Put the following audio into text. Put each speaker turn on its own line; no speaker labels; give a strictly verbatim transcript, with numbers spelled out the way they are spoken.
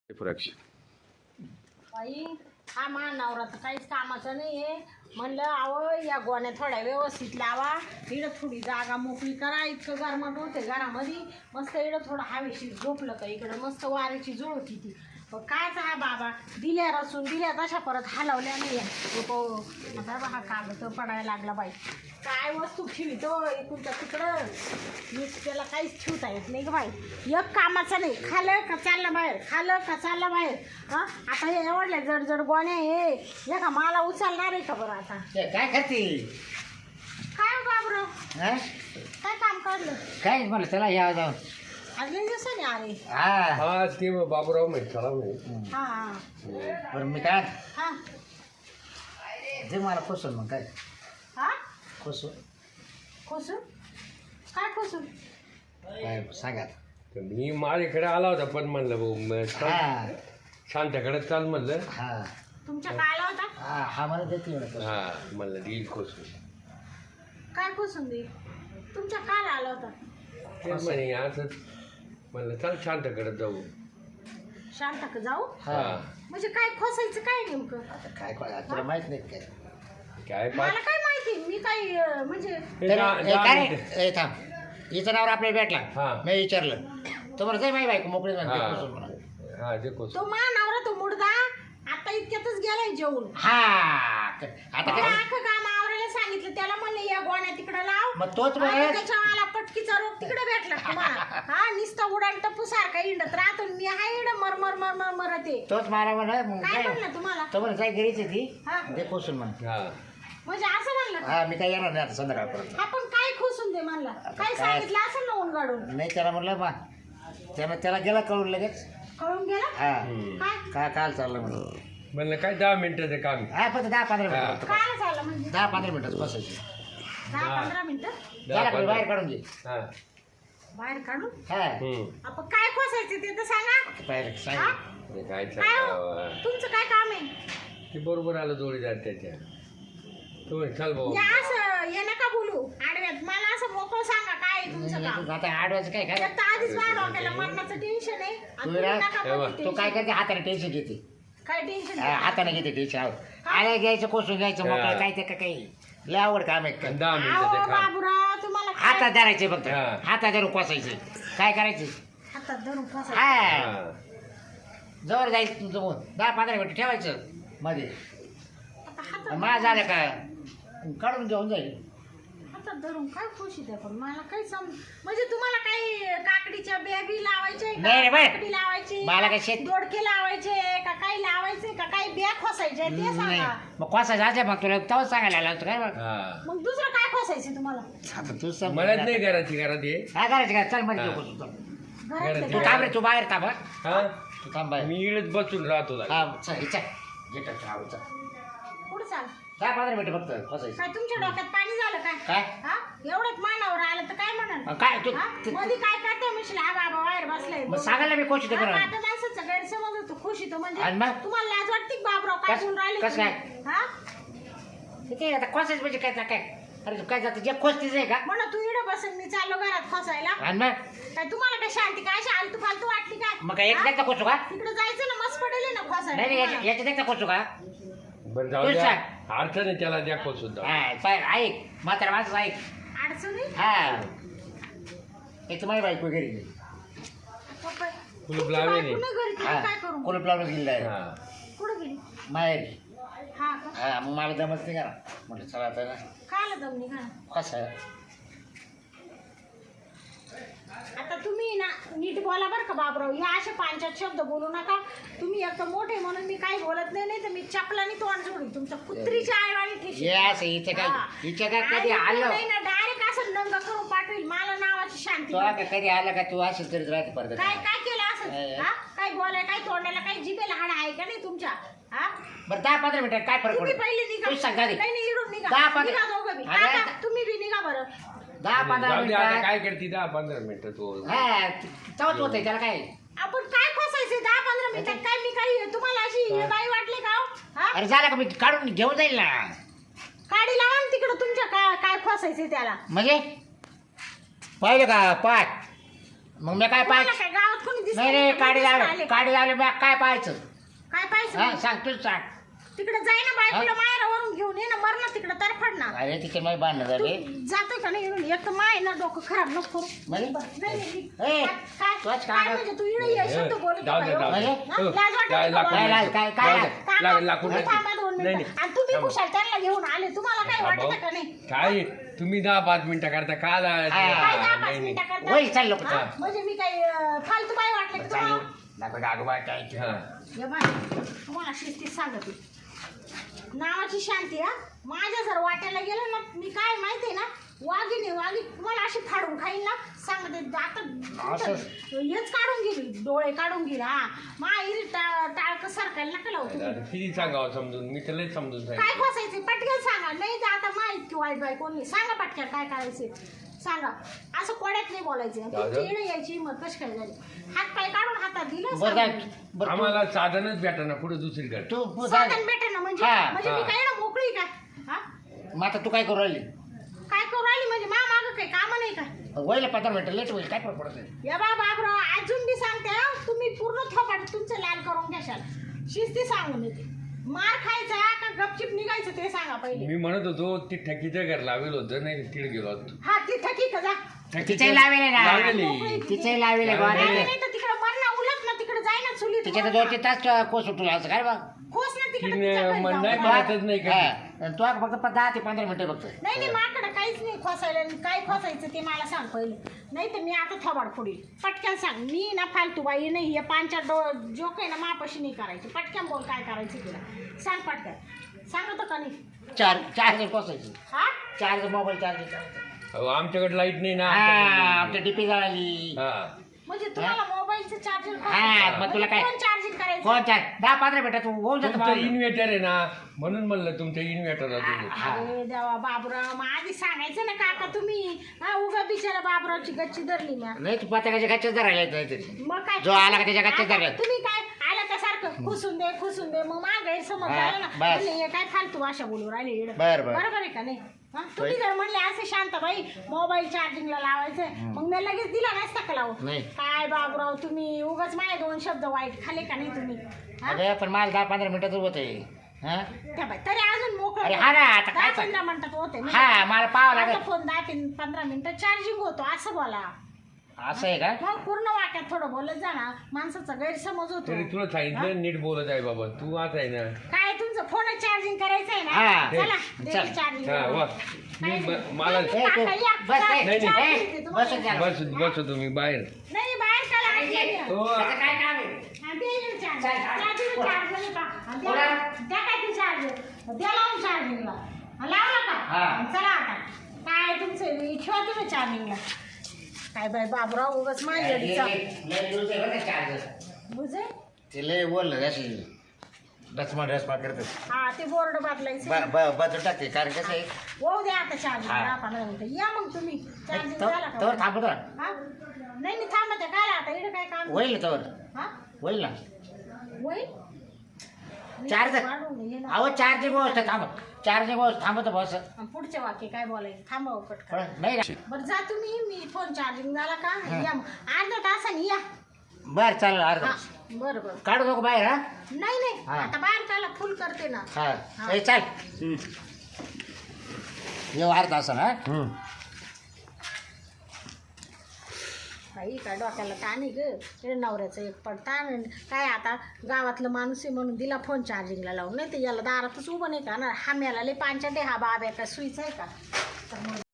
बाई हा मा नवरा तर काहीच कामाचं नाही आहे. म्हणलं अहो या गोण्या थोड्या व्यवस्थित लावा, इकडं थोडी जागा मोकळी करा. इतकं गरमाट होते घरामध्ये. मस्त इकडं थोडं हवेशीर झोपलं का इकडं मस्त वाऱ्याची जुळ होती ती. पण कायच हा बाबा दिल्या रचून दिल्या तशा परत हलवल्या नाही. आता हा कागद पडायला लागला बाई. काय वस्तू ठेवितो इकडच्या तिकडं मी त्याला काहीच ठेवता येत नाही ग बाई. एक कामाचं नाही. खालं का चाललं बाहेर, खालं का चाललं बाहेर. हां आता हे एवढल्या जड जड गोण्या हे हे का मला उचलणार आहे का बरं आता.
काय करते
काय बाबराव
हा
काय काम काढलं
काय म्हणलं चला या जाऊन
आज लई दिवसाने अरे.
हा
हा ते बाबूराव माहिती चला माहिती.
हां हां
बरं मी काय
हां
ते मला खोसून मग काय
हां
खोसून
खोसून काय खोसून
काय सांगा आता.
तर मी माझ्याकडे आला होता पण म्हणलं भाऊ मग चल,
हा
शांताकडे चाल म्हणलं.
हा
तुमच्या काय आला होता.
हा हा मला देते एवढं
हा म्हणलं देईल खोसून.
काय खोसून दे तुमच्या काय आला होता.
ते म्हणे असंच म्हणलं चल शांताकडे जाऊ.
शांत का जाऊ
हा
हा
म्हणजे काय खोसायचं काय नेमकं.
आता काय काय तुला माहित नाही काय
काय
मला
पाच
काय माहिती मी काय अं, म्हणजे
हे
तर
दहा-
ए,
दहा
काय
मिनिटं.
ए, थांब हिचं नावर आपल्याला भेटला
हा.
मी विचारलं तुम्हाला जाई माही बायको मोकळी म्हणते
हा.
खोसून म्हणा.
हा ते खोसून.
तो मा नवरा तो मुडदा आता इतक्यातच गेलाय जेवून.
हा आता
त्याला
काय
अख्खं काम आवरायला सांगितलं त्याला म्हणले या गोण्या तिकडे लाव.
मग तोच
आणि
म्हणा
त्याच्या मला पटकीचा रोग तिकडे भेटला तुम्हाला. हा नुसता उडान टप्पू सारखा इंडत राहतो. मी हा इड मर मर मर मर मरते.
तोच मला म्हणा मग
काय
काय
म्हणलं तुम्हाला
तो म्हणा जाय घरीच आहे ती
हा
ते खोसून म्हणा.
हा
म्हणजे असं म्हणलं
हा मी काय येणार नाही आता संध्याकाळपर्यंत.
आपण काय खोसून दे म्हणला काय सांगितलं असं ना ऊन गाडून
नाही त्याला म्हणलं बा त्यानं त्याला गेला कळून लगेच
कळून गेला
हा
हम्म.
काय
का काल चाललं म्हणलं
म्हणलं काय दहा मिनिटाचं काम आहे.
हा फक्त दहा पंधरा
हा.
मिनिटं
काय झालं म्हणजे
दहा पंधरा मिनिटं बसायची
दहा पंधरा मिनिटं
दहा
त्याला बाहेर
पंधरा.
काढून घे
हा
बाहेर काढून
हा
हम्म.
आपण काय खोसायचं ते तर सांगा.
बाहेर
हा?
सांग
ते काय
काय हो?
सांगावं.
तुमचं काय काम आहे.
ते बरोबर आलं जोडीदार त्याच्या. तो म्हणे, चल भाऊ
या असं ये नका बोलू आडव्यात. मला असं मोकळं सांगा काय आहे तुमचं काम.
आता आठ वाजता काय काय
एक तर आधीच माझ्या डोक्याला मरणाचं टेन्शन आहे आणि
तू
तुम्ही
रा-
नका
तेव्हा
बोलू
तो काय
tension.
करते हाताने टेन्शन घेते
काय टेन्शन
हा, हाताने घेते टेन्शन आल्या घ्यायचं कोसून घ्यायचं
हा.
मोकळं काय ते का काही लय आवड काम आहे काय
दहा मिनिटाचं काम.
बाबूराव तुम्हाला काय-
हातात धरायचे फक्त
हा.
हातात धरून कोसायचे काय करायचे
हातात धरून फसा.
हा
हा.
जवळ जायचं तुमचं मग दहा पंधरा मिनिटं ठेवायचं मध्ये
आता हातात
माझ झालं का काढून घेऊन जाईल
हातात धरून काय खुशी द्या पण मला काही सम म्हणजे तुम्हाला काही काकडीच्या बिया लावायचे
नाही रे बाई.
काकडी लावायची
मला काय शेत-
दोडके लावायचे का काही लावायचे का काही बिया खोसायचे ते
नाही
सांगा.
मग कोसायचं असल्या मग तुला तेव्हाच सांगायला आला होतं काय मग
हा.
मग दुसरं काय खोसायचे तुम्हाला.
आता तू सांग
मलाच नाही घराची घरात ये.
काय करायचं काय चल मध्ये
हा.
घेऊ कोसून चल.
घरातले
तू
काय?
थांब रे तू बाहेर थांब हा.
हा
तू थांब बाहेर
मी इकडेच बसून राहतो जरा.
हा चल चल घे टाक, हा, चल.
पुढं चाल.
दहा पंधरा मिनिटं फक्त कोसायचं
काय तुमच्या डोक्यात पाणी झालं काय.
काय
हा एवढंच मानावर आलं तर काय म्हणाल.
मग काय तू
हा?
ते-
मध्ये काय करते म्हणशील हा बाबा बाहेर बसलाय.
मग सांगायला मी कोशिश
हा,
करा
आता माणसाचं गैरसमज होतो खुशी तो म्हणजे
आणि मग?
तुम्हाला लाज वाटते का बाबराव काय
कस-
बोलून राहिले
कसं
तुम्ही? हा
ठीक आहे आता कोसायचं म्हणजे काय काय अरे तू काय जातं जे खोसतीच आहे का
म्हणा तू इकडे बसेल मी चाललो घरात फसायला.
आणि मग
काय तुम्हाला काय शांती काय अशी आलतू फालतू वाटली काय.
मग काय एक एकदा कोसू का
तिकडे जायचं ना मस्त पडेल ना फसायला
नाही नाही
तुम्हाला.
याच्या- याच्यात एकदा कोसू का
बरं जाऊ
तू
द्या.
सांग.
अडचण आहे त्याला द्या खोसून जाऊ.
हा पाय ऐक म्हातारा माझं ऐक
अडचणी
हा एक तर माझी बायको घरी गेली
पप्पा-
कुलूप
तुमची
लावेल
बायको नाही घरी तुम्ही काय करू.
कुलूप लावून गेली आहे
हा.
कुठं गेली.
माहेर
हा का
हा मग मला जमत नाही करा म्हटलं चला आता ना
काय आलं दमनी का.
कसं आहे
आता तुम्ही ना नीट बोला बरं का बाबराव. या असे पांचात शब्द बोलू नका. तुम्ही एक तर मोठे म्हणून मी काही बोलत नाही नाही तर मी चपलानी तोंड जोडीन तुमच्या कुत्रीच्या आईवाणी ठेशी.
हे असं इथे काय हिच्या काय कधी आलं
डायरेक्ट असं नंग करून पाठवेल मला नावाची शांती.
तो का कधी आलं का तू असं तरी राहते परत
काय काय केलं
काय?
असं हा काय बोलाय काय तोंडाला काय जिभेला हाड आहे का नाही तुमच्या. हा
बरं दहा पंधरा मिनिटात काय फरक
तुम्ही
पडतो
पहिले निघा.
तू सांगा दे.
काही नाही इडून निघा.
दहा पंधरा-
निघा दोघं बी.
अरे,
काका, तुम्ही बी निघा बरं.
दहा पंधरा
जाऊ दे आता
मिनिटात
काय करते दहा पंधरा मिनिटं तू.
हा चवच होते त्याला काय
आपण काय फसायचे दहा पंधरा मिनिटात काय मी काही तुम्हाला अशी बाई वाटले का हो? हा
अरे झालं का मी काढून घेऊन जाईल ना
काडी लावा ना तिकडं तुमच्या काय काय फसायचे त्याला.
म्हणजे पाहिलं का पाठ मग मी काय
तुम्हाला
पाठ
काय गावात कोणी दिसत
नाही रे काढी
आले.
लावले काढी लावले मग काय पाहायचं
काय पाहिजे
हा सांग तूच सांग
तिकडे जाई ना बायकोला माहेरावरून घेऊन ये ना मर ना तिकडे तर पड ना
अरे तिथे नाही बांधणं झाले
जातोय का नाही इकडून? एक तर माय ना डोकं खराब नको करू.
म्हणजे
नाही, नाही,
ए,
काय- काय-
तोच
काय
कागद.
म्हणजे तू इकडे ये शब्द बोलत
जाऊ दे,
होता
जाऊ दे.
ह्यो?
म्हणजे?
हा?
हो.
लाज वाटते
काय
का
लाकूड
काय
तुम्हाला?
लाज- काय- काय
जाऊ
लाज?
दे.
थांबा.
लाग- लाकूड
नाही,
नाही.
थांबा दोन
नाही,
मिनिटं.
नाही.
आणि तुम्ही
थांबा.
कुशाल त्यांना घेऊन आले तुम्हाला काय
हा,
वाटत
भाऊ.
का नाही?
काय तुम्ही दहा पाच मिनिटं करता का ला-
हा.
काय दहा
हा,
पाच
नाही, नाही.
मिनिटं करता?
वही चाल लोक
हा? म्हणजे मी काही अं, फालतू बाई वाटले की तुम्हाला?
नको गागोबा काय
हा.
ये बाई, तुम्हाला शिस्तीत सांगते नावाची शांती हा माझ्या जर वाट्याला गेलं ना मी काय माहितीये ना वाघिणी वाघी तुम्हाला अशी फाडून खाईन ना सांगते आता
असं?
हेच काढून गेली डोळे काढून गेली हा माई टाळक सरकायला नका लावू तुम्ही.
आता किती सांगावं समजून मी त्याला समजून
काय
सांगितलं
खोसायचे पटकन सांगा नाही तर आता माहित की वाईट बाई कोणी सांगा पटकन काय करायचे सांगा असं कोड्यात नाही बोलायचे तुमची येणं यायची हिंमत कशी काय झाली हात पाय काढून हातात दिलं
बरं काय
सांगा.
बरं तू-
आम्हाला साधनच भेटा ना पुढे दुसरीकडे
तू तू
साधन भेटे ना म्हणजे
हा,
म्हणजे मी
हा.
काय ना मोकळी काय हा
मग आता तू काय करू राहिली
काय करू राहिली म्हणजे मा मागं काही काम नाही काय
वयला पंधरा मिनिटं लेट होईल काय फरक पडत नाही.
या बा बाबराव अजून मी सांगते हा, तुम्ही पूर्ण थोपाट तुमचं लाल करून घ्याल शिस्ती सांगून येते मार खायचा का गपचिप निघायचं ते सांगा पहिले
मी म्हणत होतो ती ठकीचं घर लावेल होतं नाही तिकडे गेलो होतो
हा ती थकी का जा
तिचे लावेले ना
लावलेली.
तिचे लावेले
लावलेले.
गोवाने.
नाही नाही तर तिकडे मर ना उलट ना तिकडे जाय ना चुलीत
तिचे तर
मर ना.
दोन तीन तास कोस उठला असं काय बघ
खोस ना तिकडे
तिने
तिच्या घरी
मन
जाऊन.
नाही
हा.
म्हणतच नाही का
हा. तू आता फक्त दहा ते पंधरा मिनिटं बघतो
नाही नाही माझ्याकडे काहीच नाही खोसायला काय खोसायचं ते मला सांग पहिले नाही तर मी आता थोबाड फोडील पटकन सांग मी ना फालतू बाई नाही हे पांच्या डो जोक आहे ना मापाशी नाही करायची पटकन बोल काय करायचं तिला सांग पटकन सांगतो का नाही
चार चार्जर कोसायची
हा
चार्जर मोबाईल चार्जर
अहो, आमच्याकडे लाईट नाही ना
हा
आमच्याकडे
आमच्या डीपी जळाली
हा
म्हणजे तुम्हाला मोबाईलचं चार्जर
हा, मग तुला काय?
चार्जिंग करायचं
कोण चार दहा पंधरा मिनिटात तू होऊन जातो
तुमचं इन्व्हर्टर आहे ना म्हणून म्हणलं तुमचं इन्व्हर्टर
हा.
अरे देवा बाबराव मग आधी सांगायचं ना काका तुम्ही हा उगा बिचारा बाबरावची गच्ची धरली ना
नाही तू पत्याच्या गच्च्याच धरायला नाहीतरी
मग काय
जो आला का त्याच्या गच्च्यात
आता
धरला.
तुम्ही काय आला का सारखं खुसून दे खुसून दे मग माग गैरसमज
हा,
झाला ना
बस.
म्हणले, हे काय फालतू भाषा बोलू राहिले इकडं.
बर, बर.
बरोबर आहे का नाही हा? तुम्ही जर म्हणले असं शांत बाई मोबाईल चार्जिंगला लावायचं मग मी लगेच दिला नसता का लावून
नाही.
काय बाबराव तुम्ही उगाच माझे दोन शब्द वाईट खाले का नाही तुम्ही हा?
अरे पण मला दहा पंधरा मिनिटात होत आहे हा
त्या बाई, तरी अजून मोकळं
अरे हा ना, आता
दहा
काय सांग-
पंधरा मिनिटात होते ना.
हा मला पाहावं
माझा
लागेल
फोन दहा तीन पंधरा मिनिटं चार्जिंग होतो असं बोला
असं आहे का
मग पूर्ण वाक्यात थोडं बोलत जा ना माणसाचा गैरसमज होतो
तरी तुला सांगितलं नीट बोलत आहे बाबा तू आता आहे ना
काय तुमचं फोन चार्जिंग करायचं आहे
हा,
ना
हे,
चला
चल.
चार्जिंग
हा वा मी म- मला
ए, तू बस नाही,
नाही, नाही.
ए, बस जरा.
बस बस तुम्ही बाहेर
नाही बाहेर चला आत या.
हो
त्याचं काय काम आहे
हा, दे इकडे चार्ज.
चल, चल.
चार्जिंग
बोला.
चार्ज झालं का? हा, द्या-
बोला.
द्या काय ते चार्ज द्या लावून चार्जिंगला हा, लावला का
हा.
चला आता काय तुमचं ठेवा तुम्ही चार्जिंगला काय बाय बाबराव उगाच माझी
लय-
अडीचा
लय- लय दिवस आहे बरं का चार्जर
बुजे
ते लय बोललं अशी डचमा डचमा करतात
हा ते बोर्ड बदलायचं
बदल टाकते कारण कसं आहे
होऊ द्या आता चार्जिंग
हा.
दहा पंधरा मिनिटं या मग तुम्ही चार्जिंग
तवर
झाला का
तवर थांबतो ना
हा नाही नाही थांबत आहे काय आता इकडे काय काम
होईल ना तवर
हा
होईल ना
होईल
चार्जर
वाढवून ये ना.
अहो चार्जिंग व्यवस्था थांब चार्जिंग व्यवस्था थांबत बस
आणि पुढचे वाक्य काय बोलायचं थांबावं पटकन
कळलं? नाही ना
बरं जा तुम्ही मी फोन चार्जिंग झाला का या मग. अर्धा तासाने या
बरं चालेल
हा
अर्धा
बरं बरं
काढू नको बाहेर हा
नाही नाही
हा.
आता बाहेर त्याला फुल करते ना
हा
हा.
ए, चाल येऊ अर्धा असं ना
काही काय डोक्याला ताण आहे ग हे नवऱ्याचं एक पडताण आणि काय आता गावातलं माणूस आहे म्हणून दिला फोन चार्जिंगला लावून नाही तर याला दारातच उभं नाही का ना हा मेला लय पांचाटे हा बाब्या का सुईचा आहे का तर मग